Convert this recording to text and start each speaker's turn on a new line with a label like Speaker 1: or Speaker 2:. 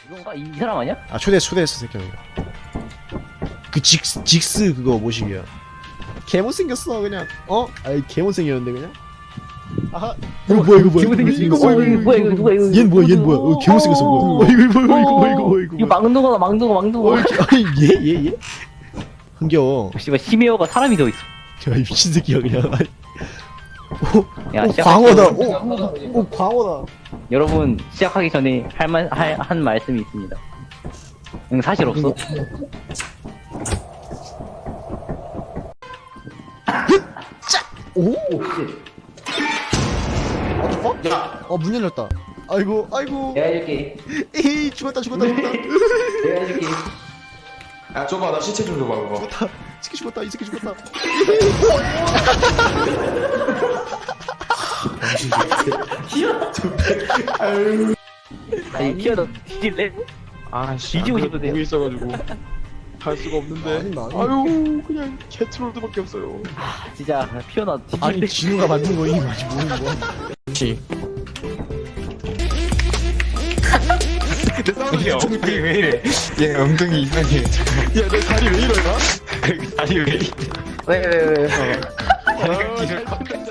Speaker 1: 이건가? 이 사람 아니야?
Speaker 2: 아 초대했어 새끼야 이거. 그 직스 그거 모식이야. 개못생겼어 그냥. 아이 개못생겼는데 그냥. 아하. 이거 뭐야 이거 뭐야
Speaker 1: 이거 뭐야 이거 뭐야 이거 누가 이거
Speaker 2: 얘는 뭐야 개못생겼어 뭐야. 이거
Speaker 1: 이거 망둥어다 망둥어
Speaker 2: 아니 얘 흥겨워.
Speaker 1: 씨발 히메어가 사람이 더 있어.
Speaker 2: 야 이 미친 새끼야 그냥.
Speaker 1: 야,
Speaker 2: 오
Speaker 1: 시작할게요.
Speaker 2: 광어다. 오 광어다.
Speaker 1: 여러분 시작하기 전에 한 말씀이 있습니다. 응 사실 없어.
Speaker 2: 오. 야. 문 열렸다. 아이고.
Speaker 1: 내가 해줄게.
Speaker 2: 에이 죽었다.
Speaker 1: 내가 해줄게.
Speaker 3: 야 줘봐 나 시체 좀 줘봐 그거.
Speaker 2: 이 새끼 죽었다.
Speaker 1: 아니 키워도 뒤질래?
Speaker 3: 아씨
Speaker 1: 뒤지고 싶으세요?
Speaker 3: 보고 있어가지고 할 수가 없는데.
Speaker 2: 아니.
Speaker 3: 아유 그냥 개트롤드밖에 없어요.
Speaker 1: 진짜 피어나 뒤질래?
Speaker 2: 아니 진우가 만든 거임 아직 모르는 거야.
Speaker 3: 그렇지. 내 엉덩이 왜 이래? 얘 엉덩이 이상해. 야내 다리 왜 이러나? 다리 왜 이래?
Speaker 1: 왜?
Speaker 3: 아,